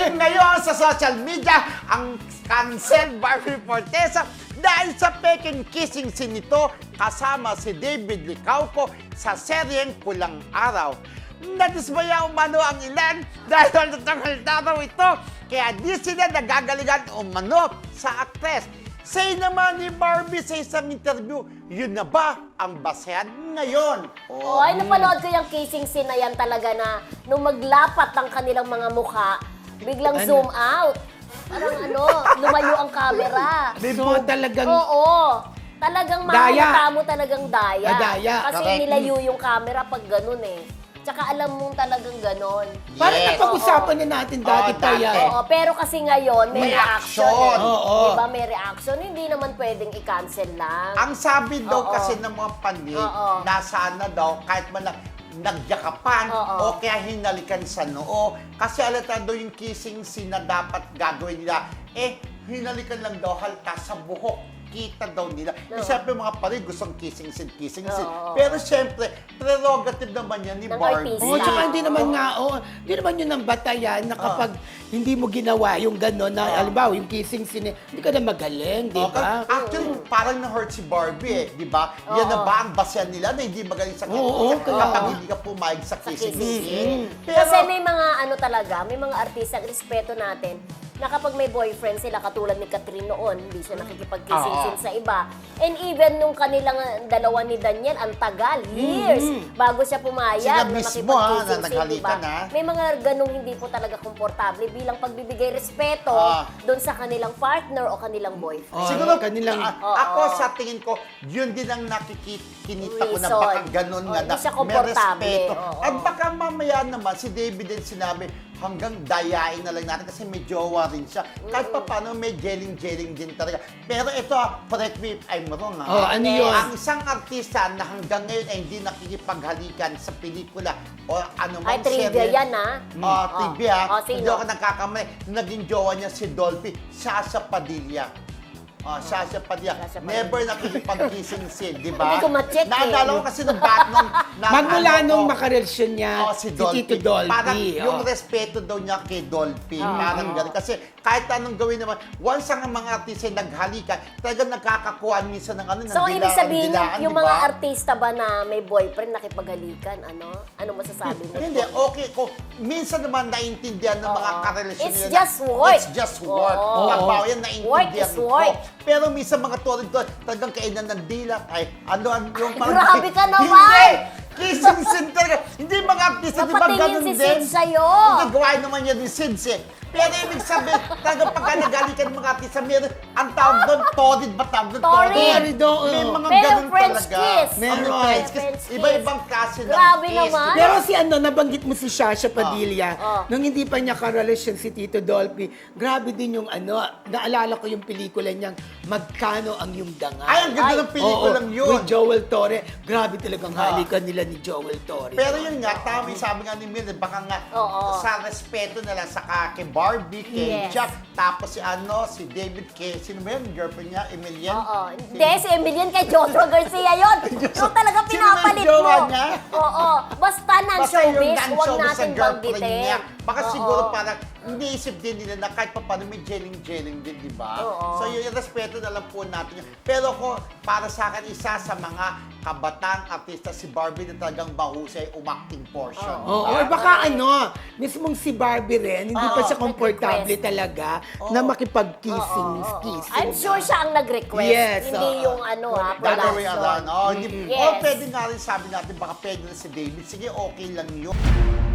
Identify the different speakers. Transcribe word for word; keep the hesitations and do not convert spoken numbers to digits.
Speaker 1: ngayon sa social media ang cancel Barbie Fortesa dahil sa peking kissing scene nito kasama si David Licauco sa seryeng Pulang Araw. Nadismaya umano ang ilan dahil natanghalta raw ito kaya di sila nagagalingan umano sa aktres. Say naman ni Barbie sa isang interview, yun na ba ang basehan ngayon?
Speaker 2: Oh, ay napanood ko yung kissing scene na yan talaga na nung maglapat ang kanilang mga mukha, biglang
Speaker 3: Ano?
Speaker 2: zoom out. Parang ano, lumayo ang camera.
Speaker 3: May mga talagang...
Speaker 2: Oo. Talagang
Speaker 3: Daya.
Speaker 2: makikita mo talagang daya.
Speaker 3: Ah, daya.
Speaker 2: Kasi
Speaker 1: Correct.
Speaker 2: nilayo yung camera pag ganun eh. Tsaka alam mong talagang ganon.
Speaker 3: Parang
Speaker 1: Yes.
Speaker 3: napag-usapan na natin dati
Speaker 1: Oo,
Speaker 3: pa
Speaker 1: dati.
Speaker 3: yan.
Speaker 2: Oo, pero kasi ngayon may,
Speaker 1: May
Speaker 2: reaction.
Speaker 1: action.
Speaker 2: Eh.
Speaker 3: Oo.
Speaker 2: Diba may reaction? Hindi naman pwedeng i-cancel lang.
Speaker 1: Ang sabi daw
Speaker 2: Oo.
Speaker 1: kasi ng mga panig,
Speaker 2: Oo.
Speaker 1: nasaan na daw kahit man lang nagyakapan
Speaker 2: Oo.
Speaker 1: o kaya hinalikan sa noo. Kasi alata daw yung kissing scene na dapat gagawin nila, eh, hinalikan lang daw halta sa buhok. Kita daw nila.
Speaker 2: Oo.
Speaker 1: Eh, siyempre mga panig gustong kissing scene, kissing scene.
Speaker 2: Oo.
Speaker 1: Pero siyempre, prerogative naman yan ni
Speaker 2: Ng
Speaker 1: Barbie.
Speaker 2: artista.
Speaker 3: Oo,
Speaker 2: Sila.
Speaker 3: tsaka hindi naman nga, oh, hindi naman yun ang batayan na kapag hindi mo ginawa yung gano'n na,
Speaker 1: Oo.
Speaker 3: halimbawa, yung kissing scene, hindi ka na magaling, di
Speaker 1: Okay.
Speaker 3: ba?
Speaker 1: Actually, parang na-hurt si Barbie eh, di ba? Yan na
Speaker 2: Oo.
Speaker 1: ba ang basehan nila na hindi magaling sa
Speaker 3: Oo,
Speaker 1: kissing
Speaker 3: kaya-
Speaker 1: kapag hindi ka pumayag sa
Speaker 2: Sa
Speaker 1: kissing
Speaker 2: kissing
Speaker 1: scene.
Speaker 2: Kasi may mga ano talaga, may mga artista, respeto natin, na kapag may boyfriend sila, katulad ni Catherine noon, hindi siya nakikipag-kissing
Speaker 1: Oo.
Speaker 2: scene sa iba. And even nung kanilang uh, dalawa ni Daniel, ang tagal, years, bago siya pumayag
Speaker 1: Sila
Speaker 2: na
Speaker 1: mismo,
Speaker 2: makipag-kissing
Speaker 1: ha, na
Speaker 2: scene,
Speaker 1: naghalikan,
Speaker 2: diba?
Speaker 1: ha?
Speaker 2: May mga ganong hindi po talaga komportable bilang pagbibigay respeto
Speaker 1: Ah.
Speaker 2: doon sa kanilang partner o kanilang boyfriend.
Speaker 3: Oo.
Speaker 1: Siguro,
Speaker 3: kanilang-
Speaker 1: a-
Speaker 2: Oo.
Speaker 1: ako sa tingin ko, yun din ang nakikinita ko na
Speaker 2: Reason.
Speaker 1: baka ganun
Speaker 2: Oo,
Speaker 1: nga
Speaker 2: hindi
Speaker 1: na
Speaker 2: siya
Speaker 1: may
Speaker 2: komportable.
Speaker 1: respeto.
Speaker 2: Oo.
Speaker 1: At baka mamaya naman, si David din sinabi, hanggang dayain na lang natin kasi may jowa rin siya. Kahit pa paano may jeling-jeling din talaga. Pero ito, ah, correct me if I'm wrong.
Speaker 3: Oh,
Speaker 1: ha?
Speaker 3: ano
Speaker 2: Yes.
Speaker 3: yun?
Speaker 1: Ang isang artista na hanggang ngayon ay hindi nakikipaghalikan sa pelikula o ano
Speaker 2: Ay,
Speaker 1: mang
Speaker 2: trivia
Speaker 1: serye.
Speaker 2: yan, ha?
Speaker 1: Oh,
Speaker 2: Oh.
Speaker 1: trivia.
Speaker 2: Oh, sino?
Speaker 1: Hindi ako nagkakamali. Naging jowa niya si Dolphy, Sasha Padilla. Oh, Sasha Padilla.
Speaker 2: Sasha Padilla.
Speaker 1: Never nakikipag-kissing scene, di ba?
Speaker 2: Hindi ko ma-check eh.
Speaker 1: Naalala ko kasi nung bat nung... na-
Speaker 3: Magmula
Speaker 1: ano,
Speaker 3: nung
Speaker 1: oh,
Speaker 3: makarelasyon niya,
Speaker 1: oh,
Speaker 3: si,
Speaker 1: si Dolphy.
Speaker 3: Tito Dolphy.
Speaker 1: Parang yung
Speaker 3: oh.
Speaker 1: respeto daw niya kay Dolphy.
Speaker 2: Oo.
Speaker 1: Parang gano'n. Kasi kahit anong gawin naman, once ang mga artista ay naghalikan, talagang nagkakakuhaan minsan ng ano, ng
Speaker 2: So,
Speaker 1: dila-
Speaker 2: ibig sabihin,
Speaker 1: dilaan,
Speaker 2: yung
Speaker 1: di
Speaker 2: mga
Speaker 1: ba?
Speaker 2: artista ba na may boyfriend nakipaghalikan, ano? Ano masasabi mo?
Speaker 1: Hindi, okay. Kung minsan naman naiintindihan ng mga
Speaker 2: Oo.
Speaker 1: karelasyon
Speaker 2: It's
Speaker 1: nila.
Speaker 2: just work.
Speaker 1: It's just work.
Speaker 2: Oo.
Speaker 1: Pagbaw yan,
Speaker 2: Work
Speaker 1: naiintindihan
Speaker 2: is
Speaker 1: ko.
Speaker 2: work.
Speaker 1: Pero minsan mga tulad ko, talagang kainan ng dila. Ay, ano, ano yung
Speaker 2: Grabe ka naman!
Speaker 1: Hindi! Kissing scene talaga. Hindi mga artista, di ba
Speaker 2: Napatingin
Speaker 1: ganun
Speaker 2: si
Speaker 1: din?
Speaker 2: Sid sa'yo.
Speaker 1: Hindi, gawain naman yan ni Sid eh. Pero ibig sabihin, talagang pagka nagalikan ng mga artista, meron, ang tawag doon, torrid ba tawag doon?
Speaker 2: Torrid.
Speaker 3: Torrid, oo.
Speaker 1: May mga
Speaker 2: Pero
Speaker 1: ganun
Speaker 2: French
Speaker 1: talaga.
Speaker 2: kiss.
Speaker 3: Meron.
Speaker 1: Ano, French kiss.
Speaker 2: French kiss.
Speaker 1: Iba-ibang klase ng
Speaker 2: Grabe
Speaker 1: kiss.
Speaker 2: naman.
Speaker 1: di ba?
Speaker 3: Pero si ano, nabanggit mo si Sasha Padilla,
Speaker 2: Oh.
Speaker 3: nung hindi pa niya karelasyon si Tito Dolphy, grabe din yung ano, naalala ko yung pelikula niyang Magkano ang Iyong Dangal.
Speaker 1: Ay, ang ganda
Speaker 2: Ay.
Speaker 1: ng pelikulang
Speaker 3: Oo,
Speaker 1: yun.
Speaker 3: with Joel Torre. Grabe talagang
Speaker 1: Ah.
Speaker 3: halikan nila ni Joel Torre.
Speaker 1: Pero yun nga, tama yung sabi nga ni Mildred, baka nga
Speaker 2: Oo.
Speaker 1: sa respeto nila sa ka- kay Barbie, kay
Speaker 2: Yes.
Speaker 1: Jack, tapos si ano, si David, kay, sino ba yun, girlfriend niya, Emilian?
Speaker 2: Oo. Hindi, si Emilian kay Joshua Garcia yun. Yung talaga
Speaker 1: Sino
Speaker 2: pinapalit
Speaker 1: yung jowa
Speaker 2: mo.
Speaker 1: niya?
Speaker 2: Oo. Basta
Speaker 1: Basta yung
Speaker 2: non-showbiz, huwag
Speaker 1: non-showbiz sa
Speaker 2: natin
Speaker 1: girlfriend
Speaker 2: banggitin.
Speaker 1: niya. Baka
Speaker 2: Oo.
Speaker 1: siguro parang iniisip din nila na kahit pa paano may jeling-jeling din, di ba?
Speaker 2: Oo.
Speaker 1: So yun, yung respeto na lang po natin yun. Pero ko, para sa akin, isa sa mga kabatang artista si Barbie na talagang bahusay umacting portion.
Speaker 3: Oo,
Speaker 1: di
Speaker 3: or
Speaker 1: ba?
Speaker 3: baka ano, mismong si Barbie rin, hindi pa
Speaker 1: Oo,
Speaker 3: siya komportable
Speaker 2: nag-request.
Speaker 3: talaga
Speaker 1: Oo.
Speaker 3: na makipag-kissing.
Speaker 2: Oo, oo, oo.
Speaker 3: kissing
Speaker 2: I'm sure siya ang nag-request.
Speaker 3: Yes,
Speaker 2: Hindi
Speaker 3: oo.
Speaker 2: yung ano ha,
Speaker 1: The other way
Speaker 2: production.
Speaker 1: around. Oh, hindi,
Speaker 2: Yes.
Speaker 1: oh, pwede nga rin sabi natin, baka pwede na si David. Sige, okay lang yun.